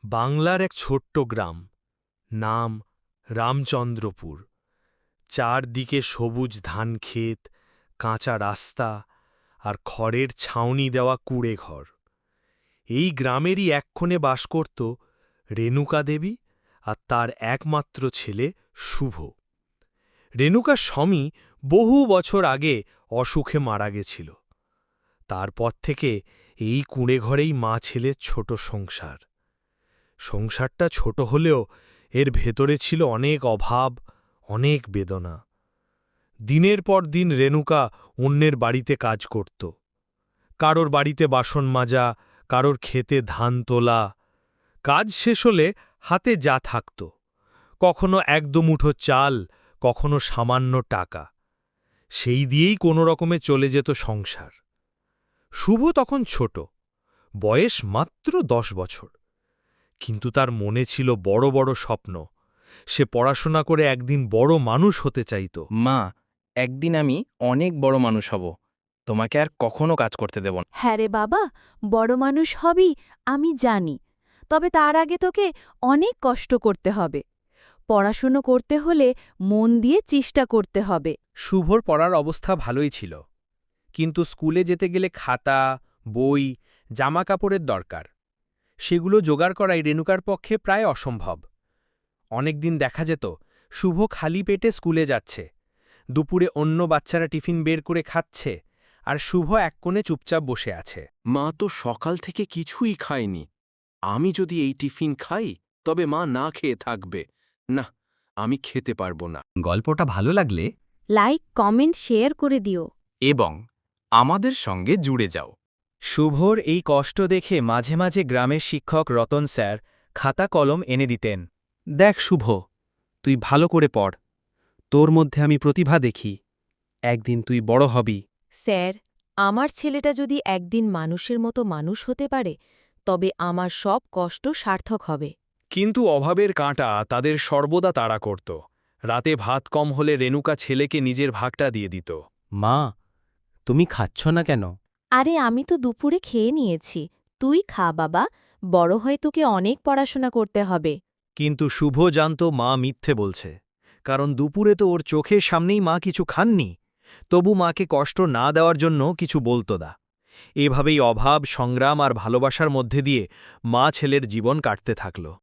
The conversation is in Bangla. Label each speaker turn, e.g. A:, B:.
A: বাংলার এক ছোট্ট গ্রাম, নাম রামচন্দ্রপুর। চারদিকে সবুজ ধানক্ষেত, কাঁচা রাস্তা আর খড়ের ছাউনি দেওয়া কুঁড়ে ঘর। এই গ্রামেরই এক কোণে বাস করত রেণুকা দেবী আর তার একমাত্র ছেলে শুভ। রেণুকার স্বামী বহু বছর আগে অসুখে মারা গেছিল। তারপর থেকে এই কুঁড়ে ঘরেই মা ছেলের ছোট সংসার। সংসারটা ছোট হলেও এর ভেতরে ছিল অনেক অভাব, অনেক বেদনা। দিনের পর দিন রেণুকা অন্যের বাড়িতে কাজ করত। কারোর বাড়িতে বাসন মাজা, কারোর ক্ষেতে ধান তোলা। কাজ শেষ হলে হাতে যা থাকত, কখনো এক দুমুঠো চাল, কখনো সামান্য টাকা, সেই দিয়েই কোনো রকমে চলে যেত সংসার। শুভ তখন ছোট, বয়স মাত্র 10 বছর। কিন্তু তার মনে ছিল বড় বড় স্বপ্ন। সে পড়াশোনা করে একদিন বড় মানুষ হতে চাইত।
B: মা, একদিন আমি অনেক বড় মানুষ হব, তোমাকে আর কখনো কাজ করতে দেব না।
C: হ্যাঁ রে বাবা, বড় মানুষ হবি আমি জানি, তবে তার আগে তোকে অনেক কষ্ট করতে হবে। পড়াশুনো করতে হলে মন দিয়ে চেষ্টা করতে হবে।
D: শুভর পড়ার অবস্থা ভালোই ছিল, কিন্তু স্কুলে যেতে গেলে খাতা, বই, জামা কাপড়ের দরকার। সেগুলো জোগাড় করাই রেণুকার পক্ষে প্রায় অসম্ভব। অনেকদিন দেখা যেত শুভ খালি পেটে স্কুলে যাচ্ছে, দুপুরে অন্য বাচ্চারা টিফিন বের করে খাচ্ছে, আর শুভ এক কোণে চুপচাপ বসে আছে।
E: মা তো সকাল থেকে কিছুই খায়নি। আমি যদি এই টিফিন খাই তবে মা না খেয়ে থাকবে। না, আমি খেতে পারবো না।
F: গল্পটা ভালো লাগলে
C: লাইক, কমেন্ট, শেয়ার করে দিও।
E: এবং আমাদের সঙ্গে জুড়ে যাও।
D: শুভর এই কষ্ট দেখে মাঝে মাঝে গ্রামের শিক্ষক রতন স্যার খাতা কলম এনে দিতেন। দেখ শুভ, তুই ভালো করে পড়, তোর মধ্যে আমি প্রতিভা দেখি, একদিন তুই বড় হবি।
C: স্যার, আমার ছেলেটা যদি একদিন মানুষের মতো মানুষ হতে পারে, তবে আমার সব কষ্ট সার্থক হবে।
A: কিন্তু অভাবের কাঁটা তাদের সর্বদা তাড়া করত। রাতে ভাত কম হলে রেণুকা ছেলেকে নিজের ভাগটা দিয়ে দিত।
B: মা, তুমি খাচ্ছ না কেন?
C: আরে আমি তো দুপুরে খেয়ে নিয়েছি, তুই খা বাবা, বড় হয়ে তোকে অনেক পড়াশোনা করতে হবে।
A: কিন্তু শুভ জানত মা মিথ্যে বলছে, কারণ দুপুরে তো ওর চোখের সামনেই মা কিছু খাননি। তবু মাকে কষ্ট না দেওয়ার জন্য কিছু বলত না। এভাবেই অভাব, সংগ্রাম আর ভালোবাসার মধ্যে দিয়ে মা ছেলের জীবন কাটতে থাকল।